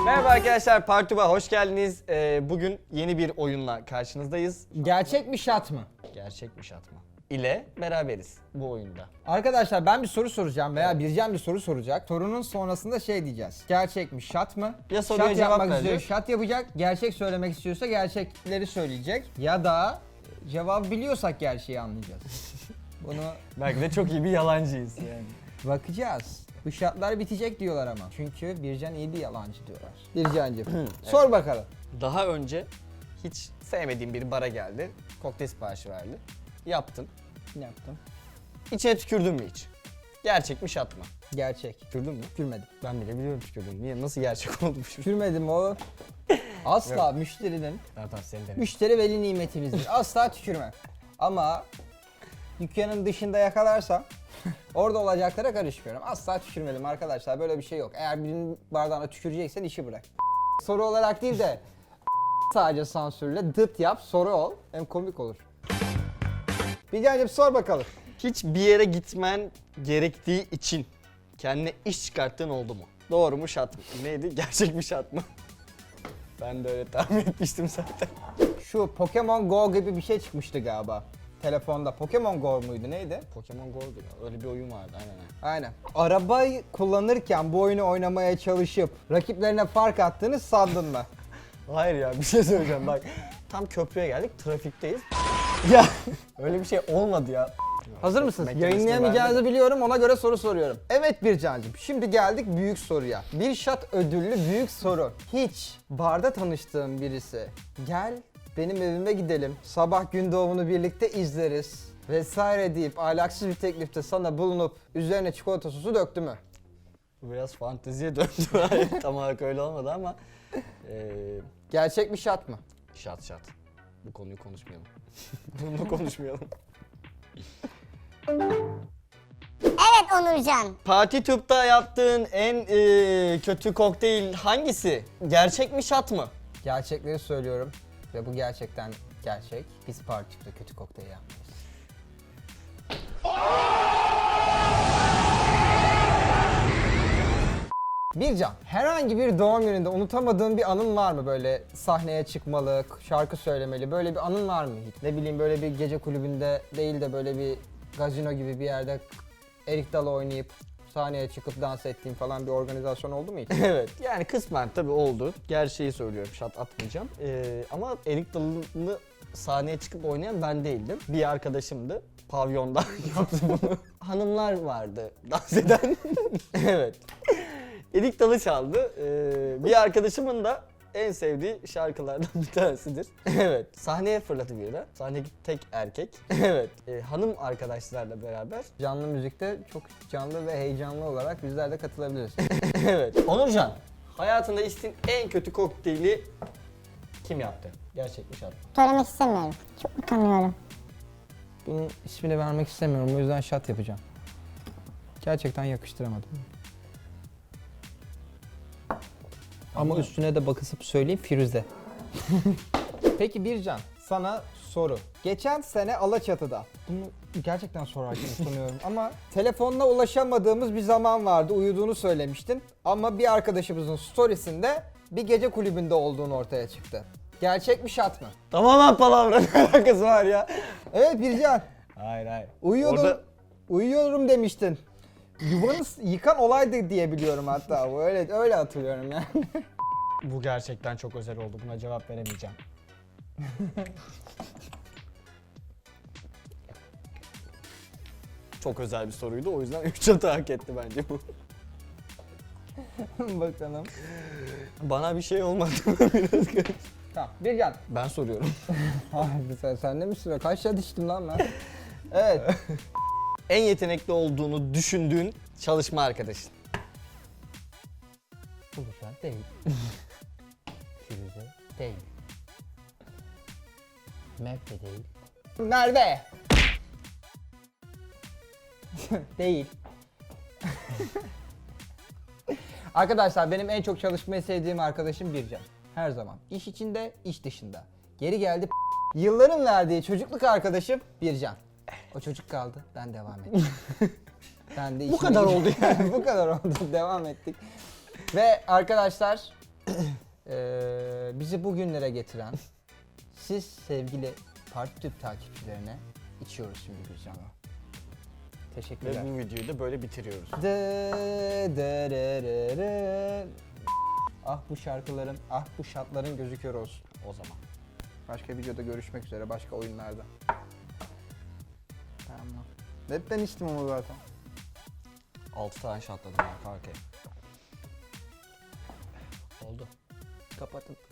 Merhaba arkadaşlar, Partuba hoş geldiniz. Bugün yeni bir oyunla karşınızdayız. Gerçek mi şat mı? Gerçek mi şat mı? İle beraberiz bu oyunda. Arkadaşlar ben bir soru soracağım veya Bircan bir soru soracak. Sorunun sonrasında şey diyeceğiz. Gerçek mi şat mı? Ya soruya şat cevap yapmak istiyor, vereceğiz. şat yapacak. Gerçek söylemek istiyorsa gerçekleri söyleyecek. Ya da cevabı biliyorsak gerçeği anlayacağız. Bunu Belki de çok iyi bir yalancıyız yani. bakacağız. Bu şartlar bitecek diyorlar ama. Çünkü Bircan iyi bir yalancı diyorlar. Bircancığım sor bakalım. Daha önce hiç sevmediğim bir bara geldi. Kokteyl siparişi verdi. Yaptım. Ne yaptım? İçine tükürdün mü hiç? Gerçek mi şat mı? Gerçek. Tükürdün mü? Tükürmedim. Ben bile biliyorum tükürdüm. Niye? Nasıl gerçek oldu bu? Tükürmedim o. Asla müşterinin Tamam seni denedim. müşteri veli nimetimizdir. Asla tükürmem. Ama dükkanın dışında yakalarsam orada olacaklara karışmıyorum. Asla tükürmedim arkadaşlar. Böyle bir şey yok. Eğer birinin bardağına tüküreceksen işi bırak. Soru olarak değil de sadece sansürle dıt yap, soru ol. Hem komik olur. Bilgehan'cığım sor bakalım. Hiç bir yere gitmen gerektiği için kendine iş çıkarttığın oldu mu? Doğru mu şat mı? Neydi? Gerçek mi şat mı? Ben de öyle tahmin etmiştim zaten. Şu Pokemon Go gibi bir şey çıkmıştı galiba. Telefonda. Pokemon Go muydu neydi? Pokemon Go'du ya. Öyle bir oyun vardı aynen. Aynen. Arabayı kullanırken bu oyunu oynamaya çalışıp rakiplerine fark attığını sandın mı? Hayır ya bir şey söyleyeceğim bak. Tam köprüye geldik trafikteyiz. Ya öyle bir şey olmadı ya. Hazır mısınız? Mektemesini Yayınlayamayacağınızı verdim. biliyorum, ona göre soru soruyorum. Evet Bircancığım, şimdi geldik büyük soruya. Bir şat ödüllü büyük soru. Hiç barda tanıştığım birisi, gel benim evime gidelim, sabah gün doğumunu birlikte izleriz vesaire deyip ahlaksız bir teklifte sana bulunup üzerine çikolata sosu döktü mü? Bu biraz fanteziye döndü. Hayır, tam olarak öyle olmadı ama. Gerçek mi şat mı? Şat. Bu konuyu konuşmayalım. Bunu konuşmayalım. Evet Onurcan. Parti Tüp'te yaptığın en kötü kokteyl hangisi? Gerçek mi şat mı? Gerçekleri söylüyorum ve bu gerçekten gerçek. Biz partide kötü kokteyl yapmayız. Bircan, herhangi bir doğum gününde unutamadığın bir anın var mı böyle sahneye çıkmalı, şarkı söylemeli böyle bir anın var mı hiç? Ne bileyim böyle bir gece kulübünde değil de böyle bir gazino gibi bir yerde erik dalı oynayıp sahneye çıkıp dans ettiğin falan bir organizasyon oldu mu hiç? Evet. Yani kısmen tabii oldu. Gerçeği söylüyorum, şat atmayacağım. Ama erik dalını sahneye çıkıp oynayan ben değildim. Bir arkadaşımdı. Pavyonda yaptı bunu. Hanımlar vardı dans eden. Evet. Erik dalı çaldı. Bir arkadaşımın da en sevdiği şarkılardan bir tanesidir. Evet. Sahneye fırladı birden. Sahnedeki tek erkek. Evet. Hanım arkadaşlarla beraber. Canlı müzikte çok canlı ve heyecanlı olarak bizler de katılabiliriz. Evet. Onurcan, hayatında içtiğin en kötü kokteyli kim yaptı? Gerçek mi şart mı? Söylemek istemiyorum. Çok utanıyorum. Bunun ismini vermek istemiyorum, o yüzden şat yapacağım. Gerçekten yakıştıramadım. Ama üstüne de bakısıp söyleyeyim, Firuze. Peki Bircan, sana soru. Geçen sene Alaçatı'da, bunu gerçekten sorarken utanıyorum ama telefonla ulaşamadığımız bir zaman vardı, uyuduğunu söylemiştin. Ama bir arkadaşımızın storiesinde bir gece kulübünde olduğunu ortaya çıktı. Gerçek mi şat mı? Tamamen palavra, ne alakası var ya? Evet Bircan, Hayır. uyuyordum, uyuyorum demiştin. Yuvanı yıkan olaydı diye biliyorum hatta. Öyle hatırlıyorum yani. Bu gerçekten çok özel oldu. Buna cevap veremeyeceğim. Çok özel bir soruydu. O yüzden 3 hata hak etti bence bu. Bakalım. Bana bir şey olmadı. Biraz garip. Tamam, Bircan. Ben soruyorum. Sen de misin? Kaç şat içtim lan ben? Evet. En yetenekli olduğunu düşündüğün çalışma arkadaşın. Buluşan değil. Firuze değil. Merve değil. Merve! Değil. Arkadaşlar benim en çok çalışmayı sevdiğim arkadaşım Bircan. Her zaman. İş içinde, iş dışında. Geri geldi. Yılların verdiği çocukluk arkadaşım Bircan. O çocuk kaldı, ben devam ettim. Ben de Bu kadar oldu yani. Bu kadar oldu, devam ettik. Ve arkadaşlar Bizi bugünlere getiren siz sevgili Parti Tüp takipçilerine içiyoruz şimdi Gülcan'la. Ve Teşekkürler. bu videoyu da böyle bitiriyoruz. Ah bu şarkıların, ah bu şartların gözü kör olsun. O zaman. Başka videoda görüşmek üzere, başka oyunlarda. Tamam. Hep ben içtim ama zaten. 6 tane şatladım arka arkaya. Oldu. Kapatın.